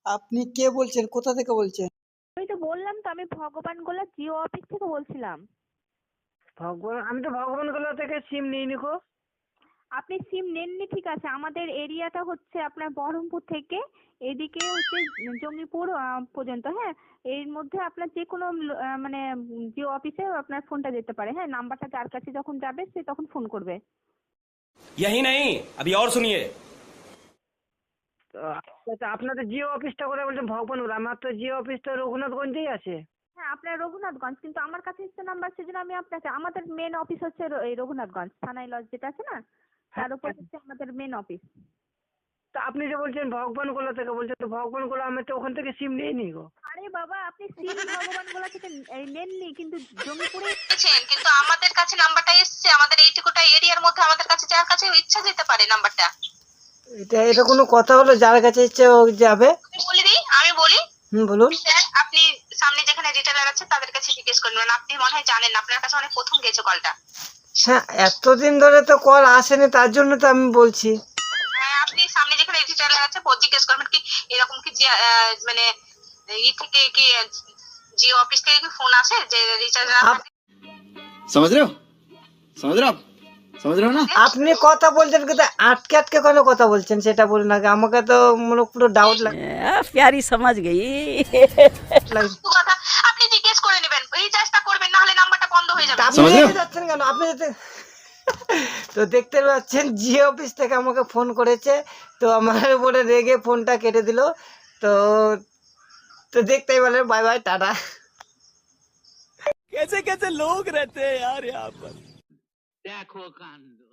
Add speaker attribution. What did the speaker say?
Speaker 1: আপনি কে বলছেন? কোথা থেকে বলছেন?
Speaker 2: আমি তো বললাম তো, আমি ভগবান গোলা জিও অফিস থেকে বলছিলাম।
Speaker 3: আমি তো ভগবানগোলা থেকে সিম নিইনি গো।
Speaker 2: আপনি সিম নেননি ঠিক আছে, আমাদের এরিয়াটা হচ্ছে আপনার বহরমপুর থেকে এদিকে হচ্ছে জঙ্গিপুর পর্যন্ত, হ্যাঁ। এর মধ্যে আপনার যে কোনো মানে জিও অফিসে আপনার ফোনটা যেতে পারে, হ্যাঁ। নাম্বারটা যার কাছে যখন যাবে সে তখন ফোন করবে।
Speaker 4: यही नहीं, अभी और सुनिए।
Speaker 3: তো আচ্ছা, আপনাদের জিও অফিসটা করে বলছেন ভগবানগোলা, আমার তো জিও অফিস তো রঘুনাথগঞ্জেই আছে।
Speaker 2: হ্যাঁ, আপনার রঘুনাথগঞ্জ, কিন্তু আমার কাছে এসছে নাম্বার, সেজন্য আমি আপনাকে, আমাদের মেন অফিস হচ্ছে এই রঘুনাথগঞ্জ থানায় লজ যেটা আছে না, তার উপর হচ্ছে আমাদের মেন অফিস।
Speaker 3: তো আপনি যে বলছেন ভগবানগোলা থেকে বলছেন, তো ভগবানগোলা আমি তো ওখান থেকে সিম নিইনি গো।
Speaker 2: আরে বাবা, আপনি সিম ভগবান গোলা থেকে নেননি, কিন্তু জঙ্গিপুরে
Speaker 5: পেয়েছেন, কিন্তু আমাদের কাছে নাম্বারটা এসছে, আমাদের এইটুকুটা এরিয়ার মধ্যে আমাদের কাছে যার কাছে ইচ্ছা যেতে পারে নাম্বারটা।
Speaker 1: এটা কোনো কথা হলো? যার কাছে ইচ্ছে ও যাবে।
Speaker 5: আমি বলি
Speaker 1: বলুন।
Speaker 5: স্যার, আপনি সামনে যেখানে রিটেলার আছে তাদের কাছে জিজ্ঞেস করবেন, আপনি মনে হয় জানেন না, আপনার কাছে অনেক প্রথম গেছে কলটা।
Speaker 1: হ্যাঁ, এতদিন ধরে তো কল আসেনি, তার জন্য তো আমি বলছি।
Speaker 5: হ্যাঁ, আপনি সামনে যেখানে রিটেলার আছে জিজ্ঞেস করবেন কি এরকম কি যে মানে ই থেকে কি জিও অফিস থেকে কি ফোন আসে যে রিচার্জ
Speaker 4: समझ रहे हो? समझ रहे हो आप? समझ रहे हो ना?
Speaker 1: আপনি কথা বলছেন কিন্তু আটকে আটকে কেন কথা বলছেন সেটা বলুন আগে। আমাকে তো মনে পুরো ডাউট
Speaker 6: प्यारी समझ गई।
Speaker 1: লাগছে।
Speaker 5: কথা আপনি জিজ্ঞেস করে নেবেন, রিচার্জটা করবেন, না হলে নাম্বারটা বন্ধ হয়ে যাবে।
Speaker 1: আপনি রেগে যাচ্ছেন কেন? আপনি তো দেখতে পাচ্ছেন জিও অফিস থেকে আমাকে ফোন করেছে, তো আমার উপরে রেগে ফোনটা কেটে দিল। তো তো দেখতেই বলেন, বাই বাই, টাটা।
Speaker 6: कैसे कैसे लोग रहते हैं यार यहाँ पर।
Speaker 7: देखो कांड